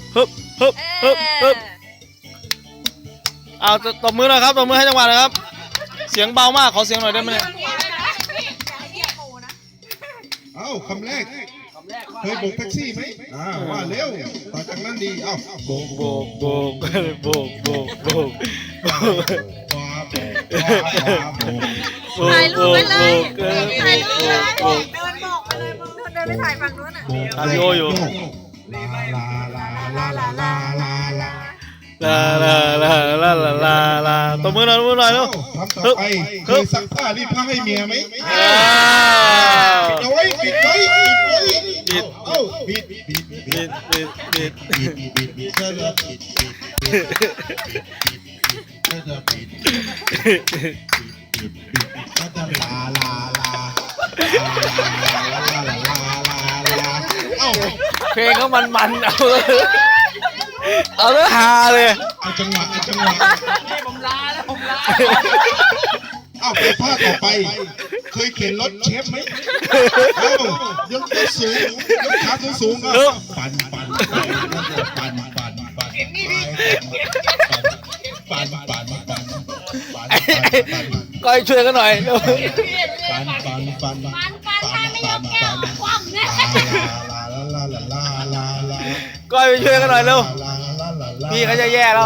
ฮึบฮึบฮึบฮึบเอาตบมือหน่อยครับตบมือให้จังหวะหน่อยครับเสียงเบามากขอเสียงหน่อยได้ไหมเนี่ยเอ้าคำแรกเคยโบกแท็กซี่ไหมว่าเร็วต่อจากนั้นดีเอ้าโบกโบกโบกโบกโบกโบกถ่ายรูปไปเลยถ่ายรูปเลยโบกเดินบอกมาเลยเดินไปถ่ายฝั่งนู้นอ่ะถ่ายวิดีโออยู่ลาลาลาลาลาลาลาลาลาลาลาลาลาลาลาตบมือหน่อยตบมือหน่อยลูกทำต่อไปเคยซักผ้ารีดผ้าให้เมียไหมปิดเอาไว้ปิดไว้ปิดไว้เอ้าปิดปิดปิดบิดบิดบิดปิดปิดปิดเธอปิดปิดปิดเธอปิดปิดปิดก็จะลาลาลาลาลาลาลาลาลาเอ้าเพลงเขามันเอาแล้วฮาเลยเอาจังหวะเอาจังหวะผมลาแล้วผมลาเอ้าไปภาคต่อไปเคยเข็นรถเชฟไหมเอ้ายกตัวสูงยกขาสูงๆปั่นปั่นปั่นปั่นปั่นปั่นปั่นปั่นปั่นก้อยช่วยกันหน่อยปั่นปั่นปั่นลาลาลาลาลาลาก้อยไปช่วยกันหน่อยเร็วพี่เขาจะแย่แล้ว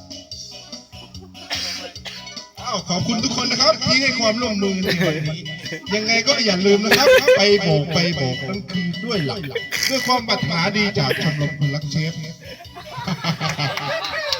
อ้าวขอบคุณทุกคนนะครับที่ให้ความร่วมมือในวันนี้ยังไงก็อย่าลืมนะครับไปโบกนั่นคือด้วยหลักด้วยความปรารถนาดีจากชมรมคนรักเชฟ